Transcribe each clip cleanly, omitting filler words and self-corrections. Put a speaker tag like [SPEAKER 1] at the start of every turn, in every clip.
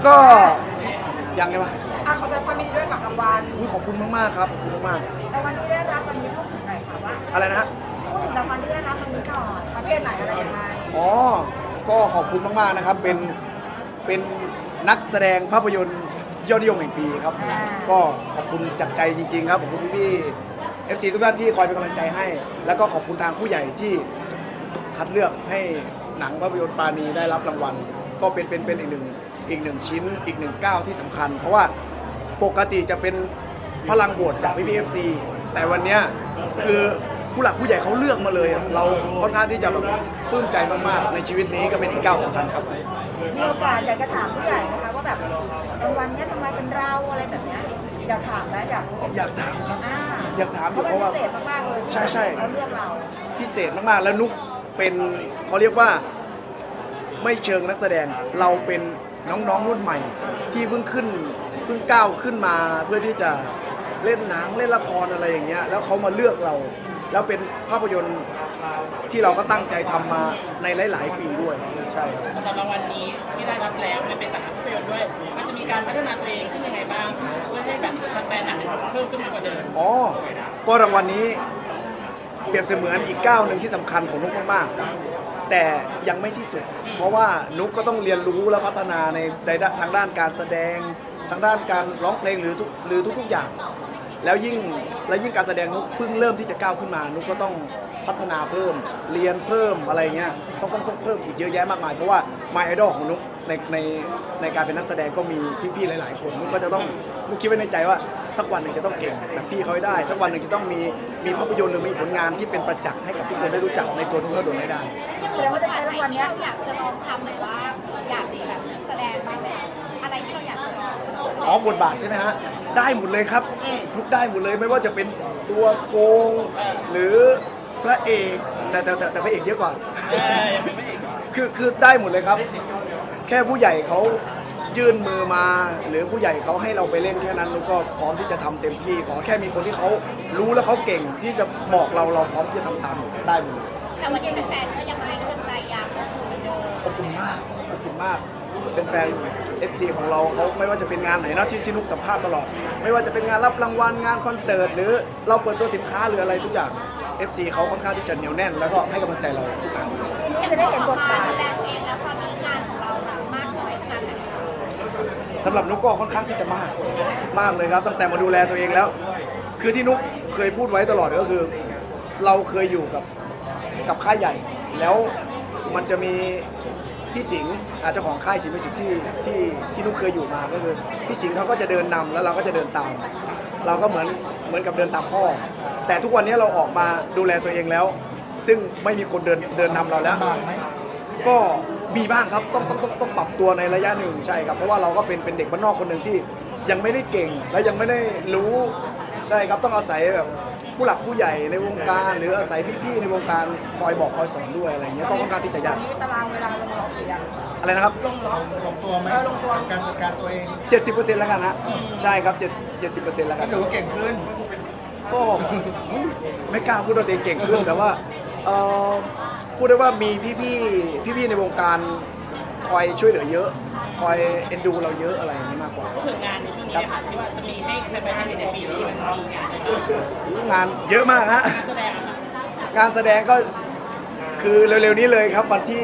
[SPEAKER 1] ก็ยังไงวะ
[SPEAKER 2] ขอแสดงความยินดีด้วยกับรางวัล
[SPEAKER 1] ขอบคุณมากๆครับขอบคุณมาก
[SPEAKER 2] รางวัลที่ได้รับวันนี้พูดถึงหน่อยค่ะว่า
[SPEAKER 1] อะไรนะฮะ
[SPEAKER 2] พูดถึงรางวัลที่ได้รับวันนี้ก่อนประเภทไหนอะไรยังไง
[SPEAKER 1] ก็ขอบคุณมากๆนะครับเป็นนักแสดงภาพยนตร์ยอดนิยมแห่งปีครับก็ขอบคุณจากใจจริงๆครับขอบคุณพี่ๆ FC ทุกท่านที่คอยเป็นกำลังใจให้ แล้วก็ขอบคุณทางผู้ใหญ่ที่คัดเลือกให้หนังภาพยนตร์ปาณีได้รับรางวัลก็เป็นอีกหนึ่งชิ้นอีกหนึ่งก้าวที่สำคัญเพราะว่าปกติจะเป็นพลังโหวตจากพี่ๆ FC แต่วันนี้คือผู้หลักผู้ใหญ่เขาเลือกมาเลยเราค่อนข้างที่จะแบบปลื้มใจมากๆในชีวิตนี้ก็เป็นอีกก้าวสำคัญครับ
[SPEAKER 2] มีโอกาสอยากจะถามผู้ใหญ่นะคะว่าแบบรางวัลนี้ทำไมเป็นเราอะไรแบบนี้อยากถามนะ
[SPEAKER 1] อยากถามครับอยากถามอยู่เพราะว่า
[SPEAKER 2] พิเศษมากๆเลย
[SPEAKER 1] ใช่
[SPEAKER 2] เขาเลือกเรา
[SPEAKER 1] พิเศษมากๆแล้วนุกเป็นเขาเรียกว่าไม่เชิงนักแสดงเราเป็นน้องๆรุ่นใหม่ที่เพิ่งก้าวขึ้นมาเพื่อที่จะเล่นหนังเล่นละครอะไรอย่างเงี้ยแล้วเขามาเลือกเราแล้วเป็นภาพยนตร์ที่เราก็ตั้งใจทำมาในหลายๆปีด้วยใช่ครับ
[SPEAKER 3] สำหรับรางวัลนี้ที่ได้รับแล้วมันเป็นสาขาภาพยนตร์ด้วยมันจะมีการพัฒนาตัวเองขึ้นยังไงบ้างคะเพื่อให้แบบสแตนดาร์ดเพิ่มขึ้นมากกว่าเดิม
[SPEAKER 1] ก็รางวัลนี้เปรียบเสมือนอีกก้าวหนึ่งที่สำคัญของนุกมากๆแต่ยังไม่ที่สุดเพราะว่านุกก็ต้องเรียนรู้และพัฒนาในทางด้านการแสดงทางด้านการร้องเพลงหรือทุกๆอย่างแล้วยิ่งการแสดงนุกเพิ่งเริ่มที่จะก้าวขึ้นมานุกก็ต้องพัฒนาเพิ่มเรียนเพิ่มอะไรเงี้ยต้องเพิ่มอีกเยอะแยะมากมายเพราะว่า My Idol ของนุกในการเป็นนักแสดงก็มีพี่ๆหลายๆคนนุกก็จะต้องนุกคิดไว้ในใจว่าสักวันหนึ่งจะต้องเก่งแบบพี่เขาให้ได้สักวันหนึ่งจะต้องมีภาพยนตร์หรือมีผลงานที่เป็นประจักษ์ให้กับทุกคนได้รู้จักในตัวนุกเขาโดนให้ได้
[SPEAKER 2] แสดงว่าจะใช้รางวัลนี้
[SPEAKER 4] เราอยากจะลองทำหรือว่าอยากแบบแสดงบ้างอะไรที่เราอยากจะลอง
[SPEAKER 1] บทบาทใช่ไหมฮะได้หมดเลยครับนุกได้หมดเลยไม่ว่าจะเป็นตัวโกงหรือพระเอกแต่พระเอกเยอะกว่าคือได้หมดเลยครับแค่ผู้ใหญ่เขายื่นมือมาหรือผู้ใหญ่เขาให้เราไปเล่นแค่นั้นนุกก็พร้อมที่จะทำเต็มที่ขอแค่มีคนที่เขารู้และเขาเก่งที่จะบอกเราพร้อมที่จะทำตามได้หมด
[SPEAKER 4] แต่วันนี้แฟนก็ยังให้กำลังใจยัง
[SPEAKER 1] อบอุ่นมากเป็นแฟน FC ของเราเขาไม่ว่าจะเป็นงานไหนนะที่นุกสัมภาษณ์ตลอดไม่ว่าจะเป็นงานรับรางวัลงานคอนเสิร์ตหรือเราเปิดตัวสินค้าหรืออะไรทุกอย่าง FC เขาค่อนข้างที่จะเหนียวแน่นแล้วก็ให้กำลังใจเราทุกงาน
[SPEAKER 2] จะได้เห็นบทบาท
[SPEAKER 4] แสดงเองแล้วตอนนี้งานของเราหนักมากน้อยขนาดไหน
[SPEAKER 1] สำหรับนุกก็ค่อนข้างที่จะมากเลยครับตั้งแต่มาดูแลตัวเองแล้วคือที่นุกเคยพูดไว้ตลอดก็คือเราเคยอยู่กับค่ายใหญ่แล้วมันจะมีพี่สิงห์เจ้าของค่ายสิงห์มิวสิกที่นุกเคยอยู่มาก็คือพี่สิงห์เขาก็จะเดินนำแล้วเราก็จะเดินตามเราก็เหมือนกับเดินตามพ่อแต่ทุกวันนี้เราออกมาดูแลตัวเองแล้วซึ่งไม่มีคนเดินนำเราแล้วก็มีบ้างครับต้องปรับตัวในระยะหนึ่งใช่ครับเพราะว่าเราก็เป็นเด็กบ้านนอกคนหนึ่งที่ยังไม่ได้เก่งและยังไม่ได้รู้ใช่ครับต้องอาศัยแบบผู้หลักผู้ใหญ่ในวงการหรืออาศัยพี่ๆในวงการคอยบอกคอยสอนด้วยอะไรเงี้ยก็ค่อนข้างที่จะยาก
[SPEAKER 2] ตารางเวลาลงล็อกหรือยัง
[SPEAKER 1] อะไรนะครับ
[SPEAKER 5] ลงตัวไหม
[SPEAKER 2] ลงตัว
[SPEAKER 5] การจัดการตัวเอง
[SPEAKER 1] 70%แล้วกันฮะใช่ครับ70%แล้วกัน
[SPEAKER 5] หนูเก่งขึ้น
[SPEAKER 1] ก็ไม่กล้าพูดว่าตัวเองเก่งขึ้นแต่ว่าพูดได้ว่ามีพี่ๆในวงการคอยช่วยเหลือเยอะคอยเอ็นดูเราเยอะอะไรอย่างนี้มากกว่า
[SPEAKER 3] พูดถึงงานในช่วงนี้ค่ะที่ว่าจะมีให้แฟนๆได้เห็นในปีนี้มันมี
[SPEAKER 1] งานเยอะมากฮะงานแสดงก็คือเร็วๆนี้เลยครับวันที่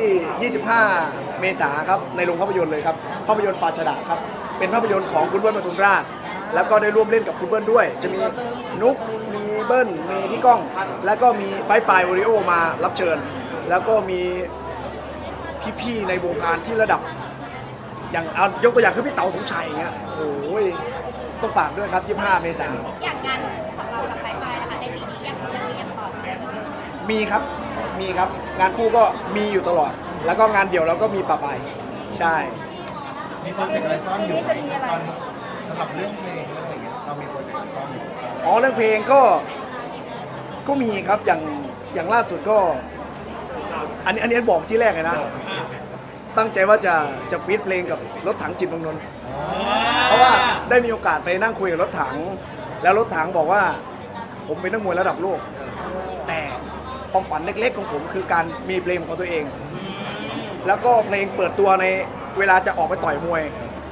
[SPEAKER 1] 25 เมษายนครับในโรงภาพยนตร์เลยครับภาพยนตร์ปาชดาครับเป็นภาพยนตร์ของคุณเบิ้ลปทุมราชแล้วก็ได้ร่วมเล่นกับคุณเบิ้ลด้วยจะมีนุกมีเบิ้ลมีพี่ก้องแล้วก็มีปายโอริโอมารับเชิญแล้วก็มีพี่ๆในวงการที่ระดับอย่างยกตัวอย่างคือพี่เต๋าสมชัยอย่างเงี้ยโอ้ยต้องปากด้วยครับ25 เมษายน
[SPEAKER 4] อย่างงานของเรากับปายนะคะในปีนี้ยังมีอย่างต่อเนื่อง
[SPEAKER 1] มีครับงานคู่ก็มีอยู่ตลอดแล้วก็งานเดี่ยวเราก็มีปะปายใช่
[SPEAKER 5] มีโปรเจกต์อะไรซ่อนอยู่ไหมตอนสำหรับเรื่องเพลงอะไรเงี้ยเรามีโปรเจกต์ซ่อนอยู่
[SPEAKER 1] เรื่องเพลงก็มีครับอย่างล่าสุดก็อันนี้บอกที่แรกเลยนะตั้งใจว่าจะฟีดเพลงกับรถถังจิตเมืองนนท์เพราะว่าได้มีโอกาสไปนั่งคุยกับรถถังแล้วรถถังบอกว่าผมเป็นนักมวยระดับโลกแต่ความฝันเล็กๆของผมคือการมีเพลงของตัวเองแล้วก็เพลงเปิดตัวในเวลาจะออกไปต่อยมวย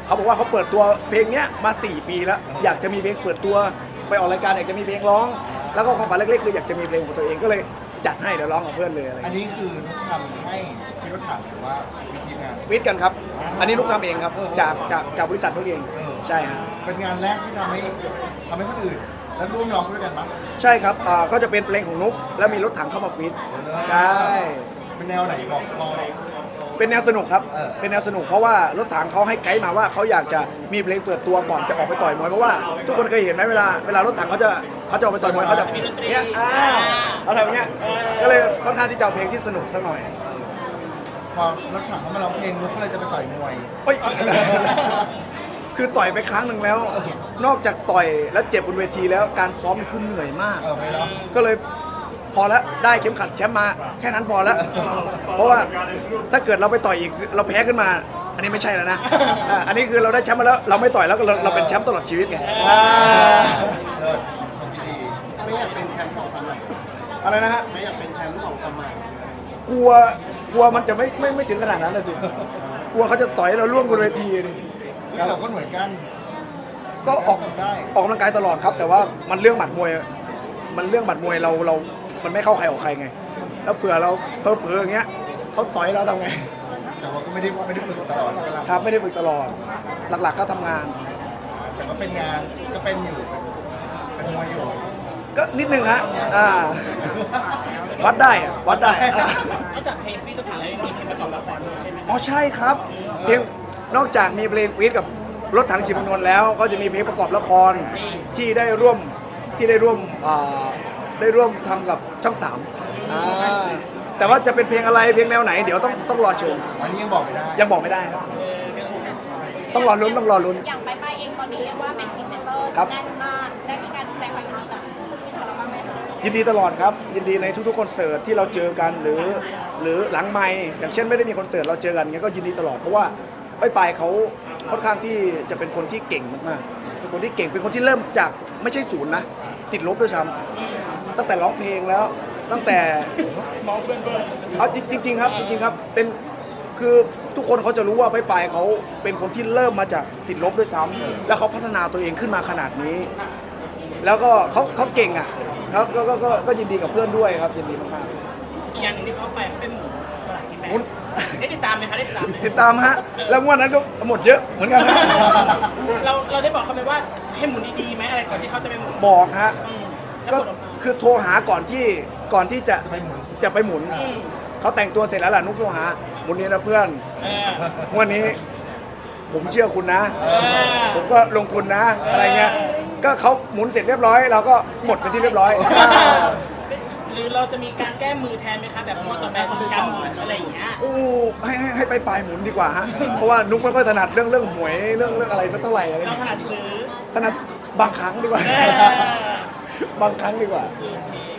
[SPEAKER 1] เขาบอกว่าเขาเปิดตัวเพลงเนี้ยมา 4 ปีแล้วอยากจะมีเพลงเปิดตัวไปออกรายการอยากจะมีเพลงร้อง แล้วก็ความฝันเล็กๆคืออยากจะมีเพลงของตัวเองก็เลยจัดให้เดี๋ยวร้องกับเพื่อนเลยอะไร
[SPEAKER 5] อันนี้คือนุ๊กทำให้พี่รถถังหรือว่ามีทีมงาน
[SPEAKER 1] ฟิตกันครับ อันนี้นุกทำเองครับจากบริษัทนุกเองใช่ฮะ
[SPEAKER 5] เป็นงานแรกที่ทำให้คนอื่น แล้วร่วมร้องด้วยกันมั้ง
[SPEAKER 1] ใช่ครับก็จะเป็นเพลงของนุกแล้วมีรถถังเข้ามาฟิตใช่
[SPEAKER 5] เป็นแนวไหนบอกพอ
[SPEAKER 1] เป็นแนวสนุกครับ
[SPEAKER 5] เออ
[SPEAKER 1] เป็นแนวสนุกเพราะว่ารถถังเขาให้ไกด์มาว่าเขาอยากจะมีเพลงเปิดตัวก่อนจะออกไปต่อยมวยเพราะว่าทุกคนเคยเห็นไหมเวลารถถังเขาจะออกไปต่อยมวยเขาจะเนี้ยเขาทำอย่างเงี้ยก็เลยค่อนข้างที่จะเอาเพลงที่สนุกสักหน่อย
[SPEAKER 5] พอรถถังเขามาร้องเพลงนุ๊กก็เลยจะไปต่อยมวย
[SPEAKER 1] เอ้ย คือต่อยไปครั้งหนึ่งแล้ว นอกจากต่อยแล้วเจ็บบนเวทีแล้วการซ้อมนี่คือเหนื่อยมาก
[SPEAKER 5] ไม่ร้อง
[SPEAKER 1] ก็เลยพอแล้วได้เข็มขัดแชมป์มาแค่นั้นพอแล้ว เพราะว่าถ้าเกิดเราไปต่อยอีกเราแพ้ขึ้นมา อันนี้ไม่ใช่แล้วนะอันนี้คือเราได้แชมป์มาแล้วเราไม่ต่อยแล้วก็เราเป็นแชมป์ตลอดชีวิตไง
[SPEAKER 5] เลิศของดี
[SPEAKER 3] ไม่อยากเป็นแชมป์ของสมัย
[SPEAKER 1] อะไรนะฮะ
[SPEAKER 3] ไม่อยากเป็นแชมป์ของสมัย
[SPEAKER 1] กลัวมันจะไม่ถึงขนาดนั้นนะสิกลัวเขาจะสอยเราล่วงบนเวทีนี่
[SPEAKER 5] เราก็เหมือนกัน
[SPEAKER 1] ก็ออก
[SPEAKER 5] ทำได้
[SPEAKER 1] ออกกำลังกายตลอดครับ แต่ว่ามันเรื่องหมัดมวยเรามันไม่เข้าใครออกใครไง แล้วเผื่อเราเผลอๆอย่างเงี้ยเขาสอยเราทำไง
[SPEAKER 5] แต่ว่าก็ไม่ได้ฝึกตลอดก็รับ
[SPEAKER 1] ครับไม่ได้ฝึกตลอด หลักๆก็ทำงาน
[SPEAKER 5] แต่ก็เป็นงานก็เป็นอยู่เป็นมวยอยู่
[SPEAKER 1] ก็นิดนึงฮะวัดได้อะวัดได้
[SPEAKER 3] นอกจากเพลงพี่ตัวถังแล้วยังมีเพลงประกอบละครด้วยใช่ไหม
[SPEAKER 1] อ๋อใช่ครับเพลงนอกจากมีเพลงฟีดกับรถถังจิตรนนท์แล้ว ก็จะมีเพลงประกอบละครที่ได้ร่วมทำกับช่องสามแต่ว่าจะเป็นเพลงอะไรเพลงแนวไหนเดี๋ยวต้องรอชม
[SPEAKER 5] อันนี้ยังบอกไม่ได้
[SPEAKER 1] ยังบอกไม่ได้ครับต้องรอลุ้น
[SPEAKER 4] อย่างไปเองตอนนี้เรียกว่าเป็นพรีเซนเตอร์
[SPEAKER 1] ครับ
[SPEAKER 4] แน่นมากได้มีการแสดงความยินดีกับคู่จิ้นของเราบ้างไหมคะ
[SPEAKER 1] ยินดีตลอดครับ ยินดีในทุกๆคอนเสิร์ตที่เราเจอกันหรือหลังไมค์อย่างเช่นไม่ได้มีคอนเสิร์ตเราเจอกันเงี้ยก็ยินดีตลอดเพราะว่าไปเขาค่อนข้างที่จะเป็นคนที่เก่งมากๆเป็นคนที่เก่งเป็นคนที่เริ่มจากไม่ใช่ศูนย์นะติดลบด้วยซ้ำตั้งแต่ร้องเพลงแล้วตั้งแต่เอาจริงๆครับจริงๆครับเป็นคือทุกคนเขาจะรู้ว่าไปเขาเป็นคนที่เริ่มมาจากติดลบด้วยซ้ำแล้วเขาพัฒนาตัวเองขึ้นมาขนาดนี้ แล้วก็เขาเก่งอ่ะครับก็ยินดีกับเพื่อนด้วยครับยินดีมาก
[SPEAKER 3] อีกอย่างหนึ่งที่เขาไปเขาเป็นหมูสลากกินแบ่ง
[SPEAKER 1] หมุน
[SPEAKER 3] ได้ติดตามไหมคะได้ติดตามไหม
[SPEAKER 1] ๆติดตามฮะแล้วงวดนั้นก็หมดเยอะเหมือนกันนะ
[SPEAKER 3] เราได้บอกเขาไหมว่าให้หมุนดีๆไหมอะไรก่อนที่เขาจะไปหมุน
[SPEAKER 1] บอกฮะ
[SPEAKER 3] แล้ว
[SPEAKER 1] ก็
[SPEAKER 3] ผลออกมา
[SPEAKER 1] คือโทรหาก่อนที่จะ
[SPEAKER 5] จะไปหมุน
[SPEAKER 1] ไปหมุนเขาแต่งตัวเสร็จแล้วล่ะนุ๊กโทรหาหมุนนี้นะเพื่อน
[SPEAKER 3] เออง
[SPEAKER 1] วดนี้ผมเชื่อคุณนะ
[SPEAKER 3] เออ
[SPEAKER 1] ผมก็ลงทุนนะอะไรเงี้ยก็เขาหมุนเสร็จเรียบร้อยเราก็หมดไปที่เรียบร้อย
[SPEAKER 3] หรือเราจะมีการแก้มือแทนไหมคะแบบมอต่อแบบการหมุนอะไรอย่างเงี้ย
[SPEAKER 1] โอ้ให้ไปปลายหมุนดีกว่าฮะเพราะว่านุ๊กไม่ค่อยถนัดเรื่องหวยเรื่องอะไรสักเท่าไหร่อะไร
[SPEAKER 3] เรา
[SPEAKER 1] เงี้ย
[SPEAKER 3] ถนัดซื้อ
[SPEAKER 1] ถนัดบางครั้งดีกว่า
[SPEAKER 3] เออบ
[SPEAKER 1] างครั้งดีกว่า
[SPEAKER 3] โอเค